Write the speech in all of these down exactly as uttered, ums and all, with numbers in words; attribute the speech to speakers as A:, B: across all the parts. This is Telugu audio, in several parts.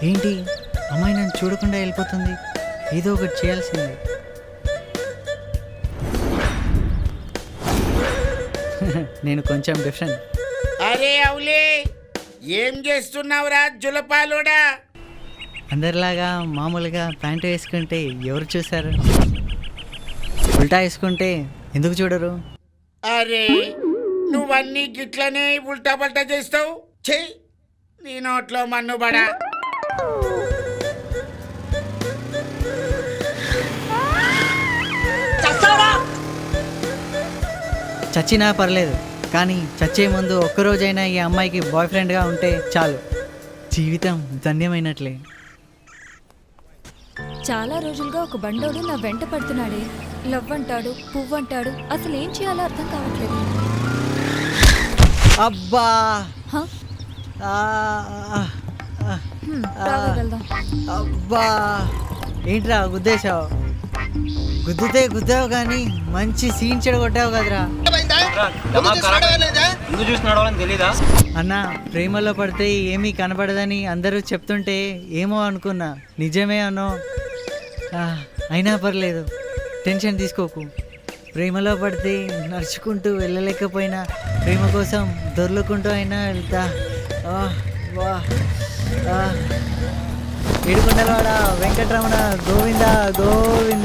A: ఏంటి అమ్మాయి నన్ను చూడకుండా వెళ్ళిపోతుంది, ఏదో ఒకటి చేయాల్సిందే. నేను కొంచెం డిఫరెంట్.
B: అరే అవులే, ఏం చేస్తున్నావురా జులపాలోడా?
A: అందరిలాగా మామూలుగా ప్యాంటు వేసుకుంటే ఎవరు చూశారు? ఉల్టా వేసుకుంటే ఎందుకు చూడరు?
B: అరే నువ్వన్నీ గిట్లనే ఉల్టా పల్టా చేస్తావు. చెయ్యి నీ నోట్లో మన్నుబడా.
A: చచ్చినా పర్లేదు, కానీ చచ్చే ముందు ఒక్కరోజైనా ఈ అమ్మాయికి బాయ్ ఫ్రెండ్గా ఉంటే చాలు, జీవితం ధన్యమైనట్లే.
C: చాలా రోజులుగా ఒక బండోడు నా వెంట పడుతున్నాడే. లవ్ అంటాడు, పువ్వు అంటాడు, అసలు ఏం చేయాలో అర్థం కావట్లేదు.
A: అబ్బా
C: హ?
A: ఆ, ఆ,
C: హ్మ్, రావే వెళ్దాం.
A: అబ్బా ఏంట్రా గుద్దేశావు? గుద్దితే గుద్దావు కానీ మంచి సీన్ చెడగొట్టావు కదరా. అన్న, ప్రేమలో పడితే ఏమీ కనపడదని అందరూ చెప్తుంటే ఏమో అనుకున్నా, నిజమే అనో. ఆ, అయినా పర్లేదు, టెన్షన్ తీసుకోకు. ప్రేమలో పడితే నడుచుకుంటూ వెళ్ళలేకపోయినా ప్రేమ కోసం దొర్లుకుంటూ అయినా వెళ్తా. ఆ, వా ఆ. ఏడుకొండలవాడ వెంకటరమణ గోవింద గోవింద.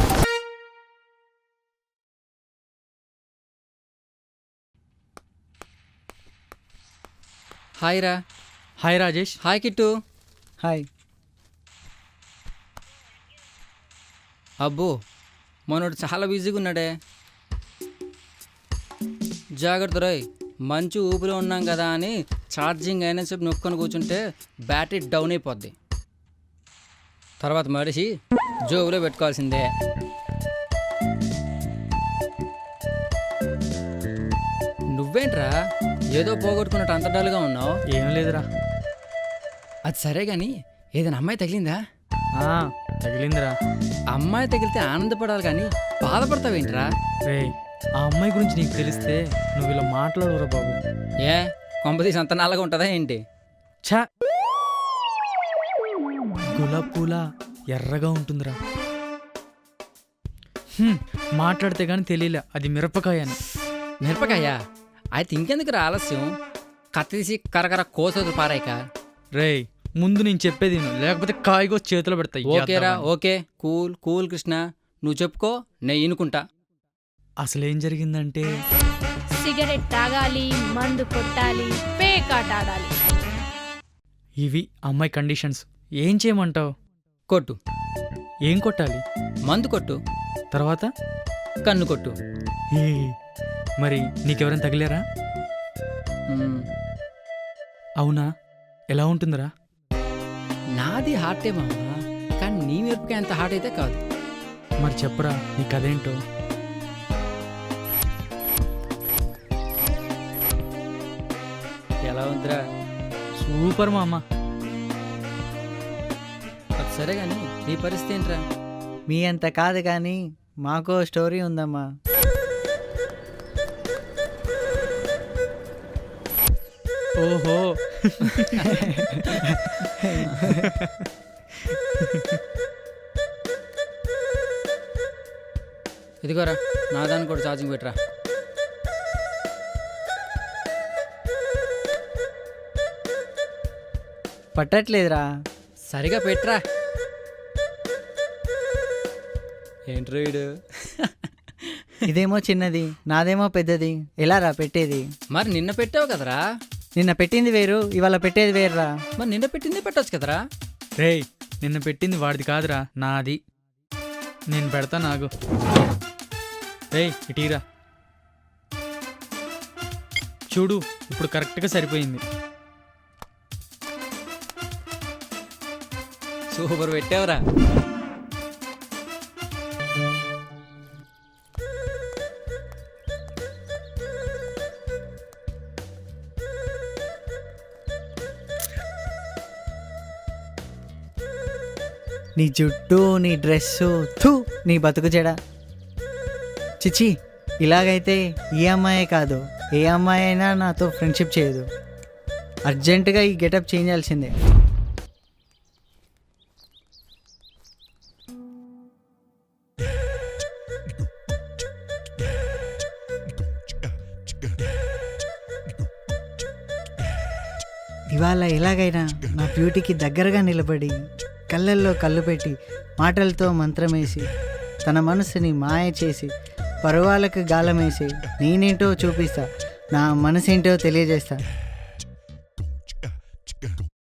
D: హాయ్ రా.
E: Hi Rajesh.
D: Hi Kittu.
A: Hi.
D: అబ్బో మనోడు చాలా బిజీగా ఉన్నాడే. జాగ్రత్త రోయ్, మంచి ఊపిరి ఉన్నాం కదా అని ఛార్జింగ్ అయినా సేపు నొక్కొని కూర్చుంటే బ్యాటరీ డౌన్ అయిపోద్ది. తర్వాత మనిషి జోబులో పెట్టుకోవాల్సిందే. నువ్వేంట్రా ఏదో పోగొట్టుకున్నట్టు అంత డల్గా ఉన్నావు?
E: ఏం లేదురా.
D: అది సరే కానీ ఏదైనా అమ్మాయి తగిలిందా?
E: ఆ, తగిలిందిరా.
D: అమ్మాయి తగిలితే ఆనందపడాలి కానీ బాధపడతావేంట్రా?
E: రే, ఆ అమ్మాయి గురించి నీకు తెలిస్తే నువ్వు ఇలా మాట్లాడవురా బాబు.
D: ఏ కొంపతీసి అంత నల్లగా ఉంటుందా ఏంటి?
E: ఛా, గులాబ్ పూల ఎర్రగా ఉంటుందిరా. హ్మ్, మాట్లాడితే కానీ తెలియలే అది మిరపకాయ అని.
D: మిరపకాయ అయితే ఇంకెందుకు రా ఆలస్యం, కత్తి తీసి కరకర కోసోదు పారాయిక.
E: రే, ముందు నేను చెప్పేది విను, లేకపోతే కాయగో చేతిలో పెడతాయి.
D: ఓకేరా, ఓకే, కూల్ కూల్ కృష్ణ, నువ్వు చెప్పుకో, నేను ఇనుకుంటా.
E: అసలేం జరిగిందంటే,
F: సిగరెట్ తాగాలి, మందు కొట్టాలి, పేకాట ఆడాలి.
E: ఇవి అమ్మాయి కండిషన్స్. ఏం చేయమంటావు?
D: కొట్టు.
E: ఏం కొట్టాలి?
D: మందు కొట్టు.
E: తర్వాత
D: కన్ను కొట్టు.
E: ఏ, మరి నీకెవరైనా తగిలారా?
D: మ్మ్.
E: అవునా? ఎలా ఉంటుందిరా?
D: నాది హార్టే మామ, కానీ నీ మిరపకాయ అంత హార్ట్ అయితే కాదు.
E: మరి చెప్పరా నీ కథేంటో.
D: ఎలా ఉందిరా?
E: సూపర్ మామ.
D: అది సరే కానీ నీ పరిస్థితి ఏంట్రా?
A: మీ అంత కాదు కానీ మాకో స్టోరీ ఉందమ్మా.
E: ఓహో,
D: ఇదిగోరా నా దాన్ని కూడా ఛార్జింగ్ పెట్టరా.
A: పట్టట్లేదురా.
D: సరిగా పెట్టరా. ఏంట్రా వీడు?
A: ఇదేమో చిన్నది, నాదేమో పెద్దది, ఎలా రా పెట్టేది?
D: మరి నిన్న పెట్టావు కదరా.
A: నిన్న పెట్టింది వేరు, ఇవాళ పెట్టేది వేరురా.
D: మరి నిన్న పెట్టింది పెట్టొచ్చు కదరా.
E: రే, నిన్న పెట్టింది వాడిది కాదురా, నాది. నేను పెడతా నాకు. రే, ఇటీరా చూడు, ఇప్పుడు కరెక్ట్గా సరిపోయింది.
D: సూపర్ పెట్టావురా.
A: నీ జుట్టు, నీ డ్రెస్సు, థూ నీ బతుకు చెడ. చిచి, ఇలాగైతే ఈ అమ్మాయే కాదు ఏ అమ్మాయి అయినా నాతో ఫ్రెండ్షిప్ చేయదు. అర్జెంటుగా ఈ గెటప్ చేంజ్ చేయాల్సిందే. ఇవాళ ఎలాగైనా నా బ్యూటీకి దగ్గరగా నిలబడి కళ్ళల్లో కళ్ళు పెట్టి మాటలతో మంత్రమేసి తన మనసుని మాయ చేసి పరువాలకు గాలమేసి నేనేంటో చూపిస్తా, నా మనసేంటో తెలియజేస్తా.